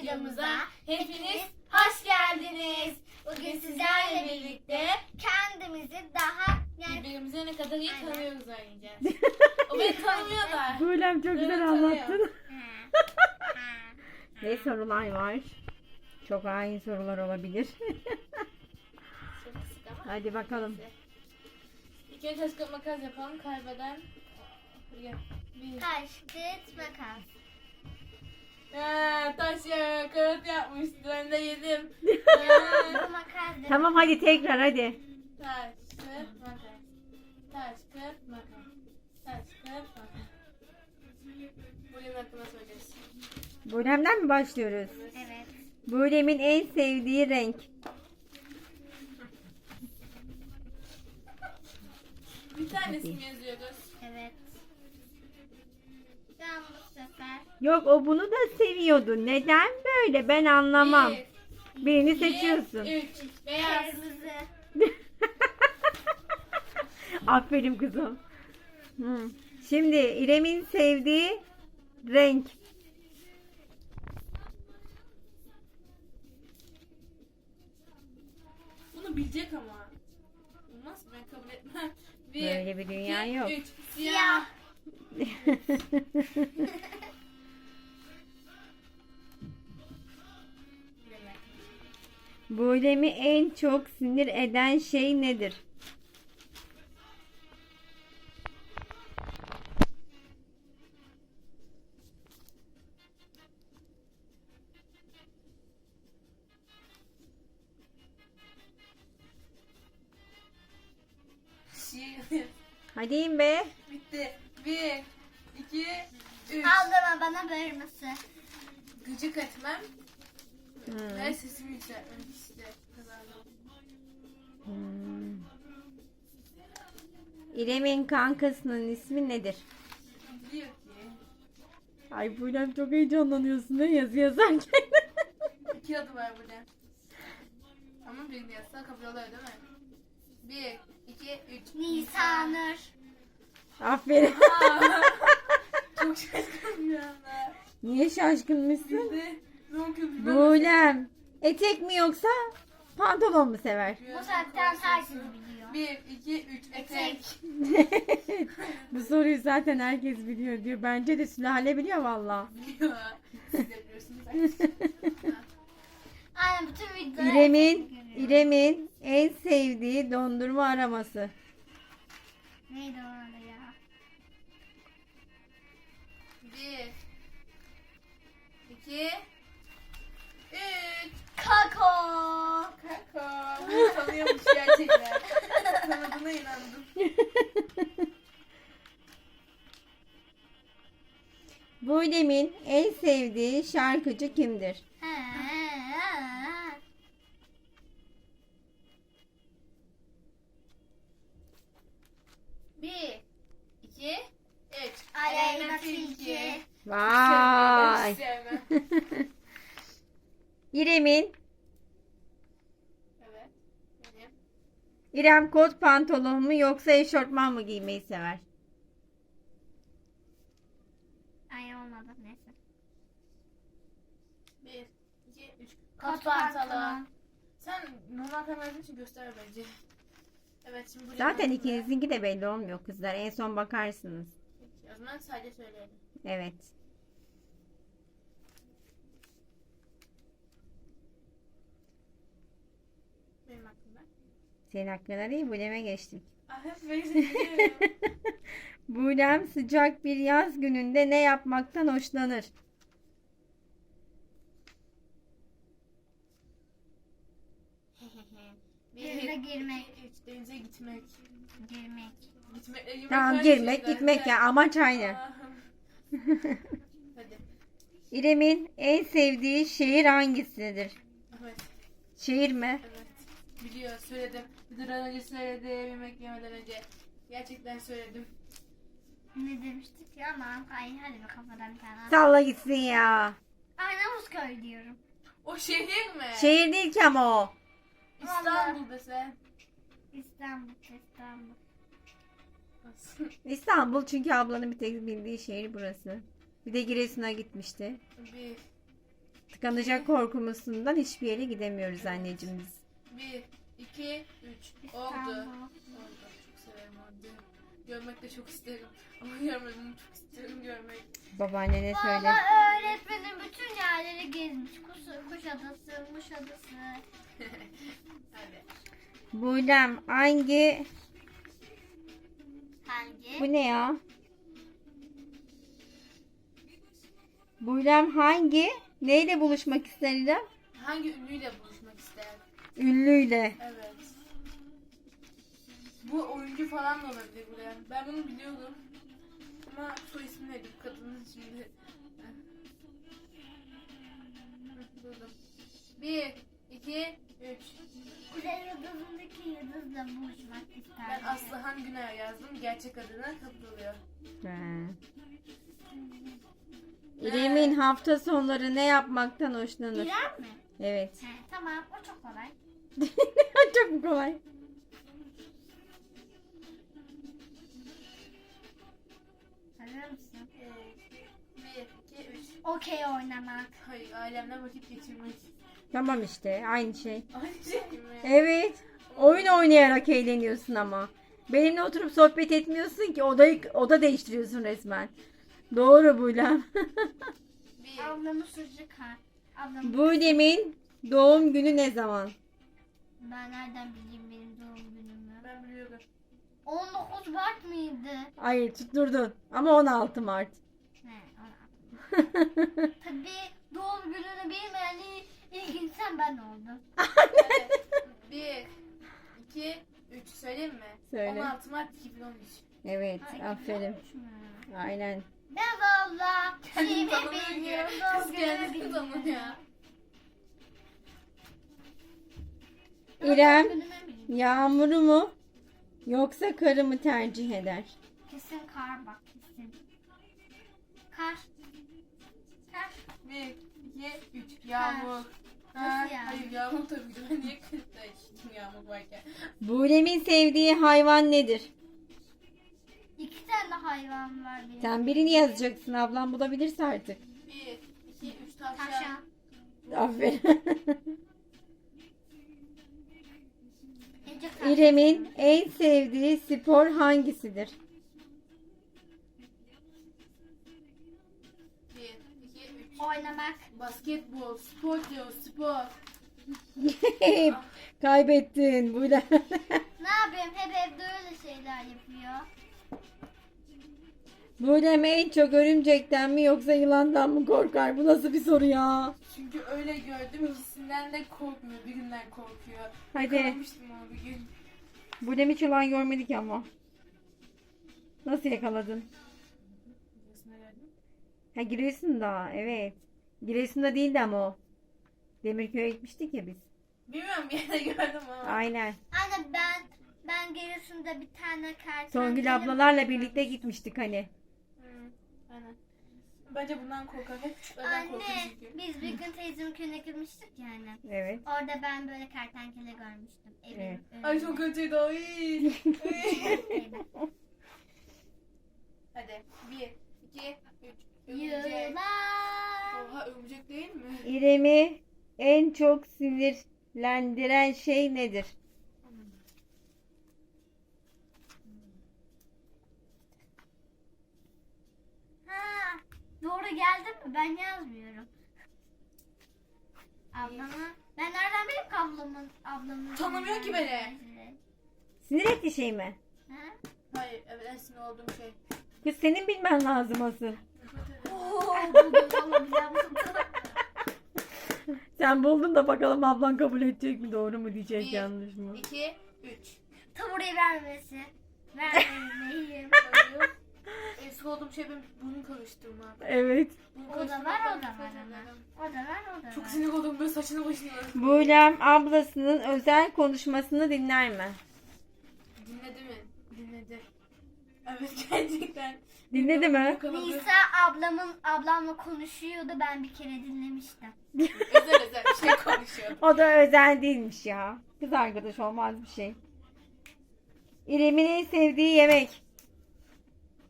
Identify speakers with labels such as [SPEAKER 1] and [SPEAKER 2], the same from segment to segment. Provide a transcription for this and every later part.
[SPEAKER 1] videomuza hepiniz hoş geldiniz. Bugün sizlerle birlikte
[SPEAKER 2] kendimizi daha
[SPEAKER 1] birbirimize ne kadar iyi tanıyoruz oynayacağız. O beni tanımıyorlar.
[SPEAKER 3] Buğlem çok güzel
[SPEAKER 1] Evet,
[SPEAKER 3] anlattın. Ne sorular var? Çok hain sorular olabilir.
[SPEAKER 1] Çok kısık ama.
[SPEAKER 3] Hadi bakalım.
[SPEAKER 1] İlk önce taş kağıt makas yapalım. Kaybeden bir.
[SPEAKER 2] taş, kağıt, makas.
[SPEAKER 1] Taş ya kağıt yapmıştı. Ben de yedim.
[SPEAKER 2] Bu makas değil.
[SPEAKER 3] Tamam hadi tekrar hadi.
[SPEAKER 1] Taş kağıt makas. Taş kağıt makas. Taş kağıt makas. Bugün hakkında söyleyeceğiz.
[SPEAKER 3] Buğlem'den mi başlıyoruz?
[SPEAKER 2] Evet.
[SPEAKER 3] Buğlem'in en sevdiği renk.
[SPEAKER 1] Bir tanesini yazıyoruz.
[SPEAKER 2] Evet. Ben bu sefer
[SPEAKER 3] Yok o bunu da seviyordu. Neden böyle ben anlamam. Birini
[SPEAKER 1] iki,
[SPEAKER 3] seçiyorsun.
[SPEAKER 1] 3. Beyaz.
[SPEAKER 2] kırmızı.
[SPEAKER 3] Aferin kızım. Şimdi İrem'in sevdiği renk.
[SPEAKER 1] Bunu bilecek ama. Olmaz ben kabul etmem.
[SPEAKER 3] Böyle bir dünya
[SPEAKER 1] iki,
[SPEAKER 3] yok.
[SPEAKER 1] 3.
[SPEAKER 2] Siyah.
[SPEAKER 3] Buğlem'i en çok sinir eden şey nedir? Hadi in be.
[SPEAKER 1] Bitti. 1, 2, 3.
[SPEAKER 2] Ablama bana bağırması.
[SPEAKER 1] Gıcık etmem.
[SPEAKER 3] Hmm.
[SPEAKER 1] Ve sesimi yükseltmem işte. Kazandım.
[SPEAKER 3] İrem'in kankasının ismi nedir?
[SPEAKER 1] Diyor ki.
[SPEAKER 3] Ay Buğlem çok heyecanlanıyorsun ne yazı yazarken.
[SPEAKER 1] 2 adı var burada. Ama birini yazsa kabul oluyor değil mi? 1, 2, 3.
[SPEAKER 2] Nisanur.
[SPEAKER 3] Aferin.
[SPEAKER 1] Çok şaşkınım bir anda.
[SPEAKER 3] Niye şaşkınmışsın?
[SPEAKER 1] Bizde ne okuyoruz?
[SPEAKER 3] Buğlem. Etek mi yoksa pantolon mu sever?
[SPEAKER 2] Bu saatten herkes biliyor.
[SPEAKER 1] 1, 2, 3. Etek.
[SPEAKER 3] Bu soruyu zaten herkes biliyor diyor. Bence de Sülale biliyor valla.
[SPEAKER 1] Biliyor. Siz de biliyorsunuz.
[SPEAKER 2] Aynen bütün videoları
[SPEAKER 3] İrem'in en sevdiği dondurma araması.
[SPEAKER 2] Neydi o arada ya?
[SPEAKER 1] 1, 2, 3.
[SPEAKER 2] Kako.
[SPEAKER 1] Kaka. Bunu tanıyormuş gerçekten. Tanıdığına inandım.
[SPEAKER 3] Buğlem'in en sevdiği şarkıcı kimdir?
[SPEAKER 1] Bir, iki, üç.
[SPEAKER 2] Aleyna Tilki.
[SPEAKER 3] Vay.
[SPEAKER 1] Hiç sevmem.
[SPEAKER 3] İrem'in
[SPEAKER 1] Evet. Benim.
[SPEAKER 3] İrem kot pantolon mu yoksa eşortman mı giymeyi sever?
[SPEAKER 2] Ay olmadı neyse.
[SPEAKER 1] Bir, iki, üç.
[SPEAKER 2] Kot pantolon.
[SPEAKER 1] Sen normal kameranın için göster bence. Evet şimdi buraya.
[SPEAKER 3] Zaten ikinizinki de belli olmuyor kızlar. En son bakarsınız.
[SPEAKER 1] Peki, o zaman sadece söyleyelim.
[SPEAKER 3] Evet.
[SPEAKER 1] Benim hakkımda.
[SPEAKER 3] Senin hakkında değil Buğlem'e geçtik.
[SPEAKER 1] Ah hep böyle seviyorum.
[SPEAKER 3] Buğlem sıcak bir yaz gününde ne yapmaktan hoşlanır?
[SPEAKER 2] Denize girmek.
[SPEAKER 1] iki, üç. Denize gitmek.
[SPEAKER 2] Girmek.
[SPEAKER 1] Gitmekle girmek
[SPEAKER 3] Tamam
[SPEAKER 1] aynı
[SPEAKER 3] girmek
[SPEAKER 1] şeyler.
[SPEAKER 3] gitmek ya amaç aynı.
[SPEAKER 1] Hadi.
[SPEAKER 3] İrem'in en sevdiği şehir hangisidir?
[SPEAKER 1] Evet.
[SPEAKER 3] Şehir mi?
[SPEAKER 1] Evet. Biliyor söyledim. Bir de önce söyledim yemek yemeden önce. Gerçekten söyledim.
[SPEAKER 2] Ne demiştik ya aman hadi bir kafadan bir tane.
[SPEAKER 3] Salla gitsin ya.
[SPEAKER 2] Arnavutköy diyorum.
[SPEAKER 1] O şehir mi?
[SPEAKER 3] Şehir değil ki ama o.
[SPEAKER 1] İstanbul dese.
[SPEAKER 2] İstanbul.
[SPEAKER 3] İstanbul çünkü ablanın bir tek bildiği şehir burası. Bir de Giresun'a gitmişti.
[SPEAKER 1] Bir,
[SPEAKER 3] Tıkanacak korkumuzdan hiçbir yere gidemiyoruz anneciğim biz.
[SPEAKER 1] 1, 2, 3. Oldu.
[SPEAKER 2] İstanbul.
[SPEAKER 1] Oldu. Çok severim orada. Görmek de çok isterim. Ama görmedim, çok isterim görmek.
[SPEAKER 3] Babaannene söyle.
[SPEAKER 2] Valla öğretmenim bütün yerleri gezmiş. Kuşadası, Muşadası.
[SPEAKER 1] Hadi.
[SPEAKER 3] Buylem hangi?
[SPEAKER 2] Hangi?
[SPEAKER 3] Bu ne ya? Buylem hangi? Neyle buluşmak ister İrem?
[SPEAKER 1] Hangi ünlüyle buluşmak ister?
[SPEAKER 3] Ünlüyle.
[SPEAKER 1] Evet. Bu oyuncu falan da olabilir buraya. Ben bunu biliyordum. Ama soy ismi neydi bu kadının şimdi? Buldum. 1, 2, 3.
[SPEAKER 2] Kuzey Yıldızı'ndaki yıldızla buluşmak isterdim.
[SPEAKER 1] Ben Aslıhan Güner yazdım. Gerçek adına kabul oluyor.
[SPEAKER 3] He. İrem'in hafta sonları ne yapmaktan hoşlanır?
[SPEAKER 2] İrem mi?
[SPEAKER 3] Evet.
[SPEAKER 2] He, tamam o çok kolay.
[SPEAKER 3] Çok mu kolay?
[SPEAKER 2] Hazır mısın?
[SPEAKER 1] 1, 2, 3.
[SPEAKER 2] Okey oynamak.
[SPEAKER 1] Hayır, ailemle vakit geçirmek.
[SPEAKER 3] Tamam işte aynı şey.
[SPEAKER 1] Aynı şey mi?
[SPEAKER 3] Evet. Oyun oynayarak eğleniyorsun ama. Benimle oturup sohbet etmiyorsun ki oda değiştiriyorsun resmen. Doğru Buylem.
[SPEAKER 1] 1.
[SPEAKER 2] Ablamın sucuk ha. Ablam.
[SPEAKER 3] Buylem'in doğum günü ne zaman?
[SPEAKER 2] Ben nereden bileyim benim doğum günümü?
[SPEAKER 1] Ben biliyordum.
[SPEAKER 2] 19 Mart mıydı?
[SPEAKER 3] Hayır tutturdun. Ama 16 Mart.
[SPEAKER 2] He, 16. Tabii doğum gününü bilmeyen ilk insan ben oldum.
[SPEAKER 1] 1, 2, 3. Söyleyeyim mi?
[SPEAKER 3] Söyle.
[SPEAKER 1] 16 Mart 2013.
[SPEAKER 3] Evet
[SPEAKER 2] Ha,
[SPEAKER 3] aferin.
[SPEAKER 2] 2013 mü?
[SPEAKER 3] Aynen.
[SPEAKER 2] Ben valla
[SPEAKER 1] Kendini
[SPEAKER 2] şeyimi
[SPEAKER 1] tanımıyor ki.
[SPEAKER 2] bilmiyorum.
[SPEAKER 1] Kız
[SPEAKER 2] Doğum günümü
[SPEAKER 1] kendini
[SPEAKER 2] bilmiyorum.
[SPEAKER 1] tanımıyor.
[SPEAKER 3] İrem
[SPEAKER 2] Doğum günümü bilmiyorum.
[SPEAKER 3] yağmuru mu yoksa karı mı tercih eder?
[SPEAKER 2] Kesin kar bak kesin. Kar. Kar.
[SPEAKER 1] 1, 2, 3. Yağmur.
[SPEAKER 2] Nasıl yani?
[SPEAKER 1] Hayır yağmur tabii ki. Ben niye kırıkta içtim yağmur varken?
[SPEAKER 3] Buylem'in sevdiği hayvan nedir?
[SPEAKER 2] 2 tane hayvan var benim.
[SPEAKER 3] Sen birini yazacaksın ablam bulabilirse artık.
[SPEAKER 1] 1, 2, 3. Tavşan.
[SPEAKER 2] Tavşan.
[SPEAKER 3] Aferin.
[SPEAKER 2] Ece tavşan.
[SPEAKER 3] İrem'in en sevdiği spor hangisidir?
[SPEAKER 1] 1, 2, 3.
[SPEAKER 2] Oynamak.
[SPEAKER 1] Basketbol. Spor diyor. Spor.
[SPEAKER 3] Kaybettin Buylem.
[SPEAKER 2] Ne yapayım? Hep evde öyle şeyler yapıyor.
[SPEAKER 3] Buylem en çok örümcekten mi yoksa yılandan mı korkar? Bu nasıl bir soru ya?
[SPEAKER 1] Çünkü öyle gördüm. İkisinden de korkmuyor. Birinden korkuyor.
[SPEAKER 3] Hadi.
[SPEAKER 1] Yakalamıştım onu bir gün.
[SPEAKER 3] Buylem hiç yılan görmedik ama. Nasıl yakaladın?
[SPEAKER 1] Nasıl geldin?
[SPEAKER 3] Ha Giresun'da evet. Giresun'da değildi ama o. Demirköy'e gitmiştik ya biz.
[SPEAKER 1] Bilmiyorum bir yerde gördüm ama.
[SPEAKER 3] Aynen.
[SPEAKER 2] Anne ben Giresun'da bir tane kertenkele...
[SPEAKER 3] Songül ablalarla birlikte gitmiştik hani.
[SPEAKER 1] Aynen. Bence bundan korkar. Hep küçüklerden korkuyor
[SPEAKER 2] Anne
[SPEAKER 1] çünkü.
[SPEAKER 2] biz bir gün teyzemin köyüne gitmiştik yani.
[SPEAKER 3] Evet.
[SPEAKER 2] Orada ben böyle kertenkele görmüştüm. Evin
[SPEAKER 3] Evet.
[SPEAKER 2] önünde.
[SPEAKER 1] Ay çok kötüydü o. Iy.
[SPEAKER 2] Şeyde.
[SPEAKER 1] Hadi. 1, 2, 3. Örümcek.
[SPEAKER 2] Yılan.
[SPEAKER 1] Oha örümcek değil mi?
[SPEAKER 3] İrem'i en çok sinirlendiren şey nedir?
[SPEAKER 2] Ha, doğru geldi mi? Ben yazmıyorum. Ablama. Ben nereden bileyim ki ablamın.
[SPEAKER 1] Tanımıyor ki beni.
[SPEAKER 3] Sinir ettiği şey mi?
[SPEAKER 2] Ha?
[SPEAKER 1] Hayır evet en sinir olduğum şey.
[SPEAKER 3] Kız senin bilmen lazım asıl.
[SPEAKER 2] Oo, buldum ama bilemem.
[SPEAKER 3] Sen buldun da bakalım ablan kabul edecek mi doğru mu diyecek
[SPEAKER 1] 1,
[SPEAKER 3] yanlış mı?
[SPEAKER 1] 2, 3.
[SPEAKER 2] Taburayı vermesi. Vermeyeyim.
[SPEAKER 1] En sık olduğum şey benim bunu karıştırmak.
[SPEAKER 3] Evet.
[SPEAKER 1] Bunu
[SPEAKER 2] O da var,
[SPEAKER 1] karıştırmak
[SPEAKER 2] o da
[SPEAKER 1] nefret
[SPEAKER 2] var ama.
[SPEAKER 1] ederim.
[SPEAKER 2] O da var, o da
[SPEAKER 1] Çok
[SPEAKER 2] var.
[SPEAKER 1] sinir oldum böyle saçını başını.
[SPEAKER 3] Buylem ablasının özel konuşmasını dinler mi?
[SPEAKER 1] Dinledi mi? Dinledi. Evet gerçekten.
[SPEAKER 3] Dinledi mi?
[SPEAKER 1] Yakaladı.
[SPEAKER 2] Nisa ablamla konuşuyordu. Ben bir kere dinlemiştim.
[SPEAKER 1] Özel bir şey konuşuyor.
[SPEAKER 3] O da özel değilmiş ya. Kız arkadaş olmaz bir şey. İrem'in en sevdiği yemek.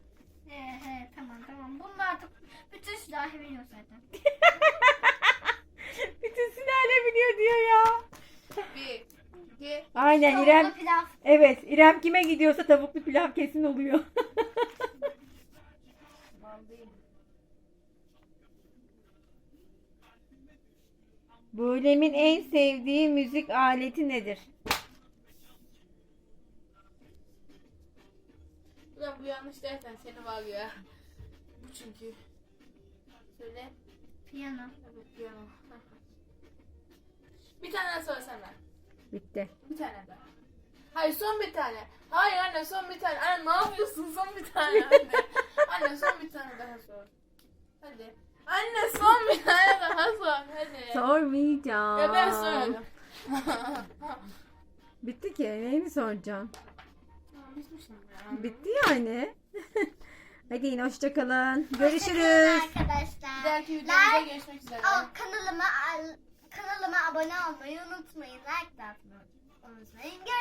[SPEAKER 2] He tamam. Bunu artık bütün sülahi biliyor zaten.
[SPEAKER 3] oluyor ya?
[SPEAKER 1] 1, 2,
[SPEAKER 3] Aynen
[SPEAKER 2] Tavuklu
[SPEAKER 3] İrem.
[SPEAKER 2] pilav.
[SPEAKER 3] Evet İrem kime gidiyorsa tavuklu pilav kesin oluyor. Bulem'in en sevdiği müzik aleti nedir?
[SPEAKER 1] Ulan bu yanlış dersen seni var ya. Bu çünkü. Söyle.
[SPEAKER 2] Piyano.
[SPEAKER 1] Evet piyano. Bir tane daha söylesene.
[SPEAKER 3] Bitti.
[SPEAKER 1] Bir tane daha. Hayır son bir tane. Hayır anne son bir tane. Anne ne yapıyorsun son bir tane anne. Anne son bir tane daha sor. Hadi. Anne son bir tane daha sor. Hadi.
[SPEAKER 3] Sormayacağım.
[SPEAKER 1] Ya ben sorarım.
[SPEAKER 3] Bitti ki. Neyini soracağım?
[SPEAKER 1] Tamam bitmişim ya.
[SPEAKER 3] Bitti yani. Hadi yine hoşçakalın. Görüşürüz.
[SPEAKER 2] Hoşçakalın
[SPEAKER 1] Bir
[SPEAKER 2] arkadaşlar.
[SPEAKER 1] dahaki videomuzda görüşmek üzere.
[SPEAKER 2] Kanalıma abone olmayı unutmayın. Like de atmayı unutmayın.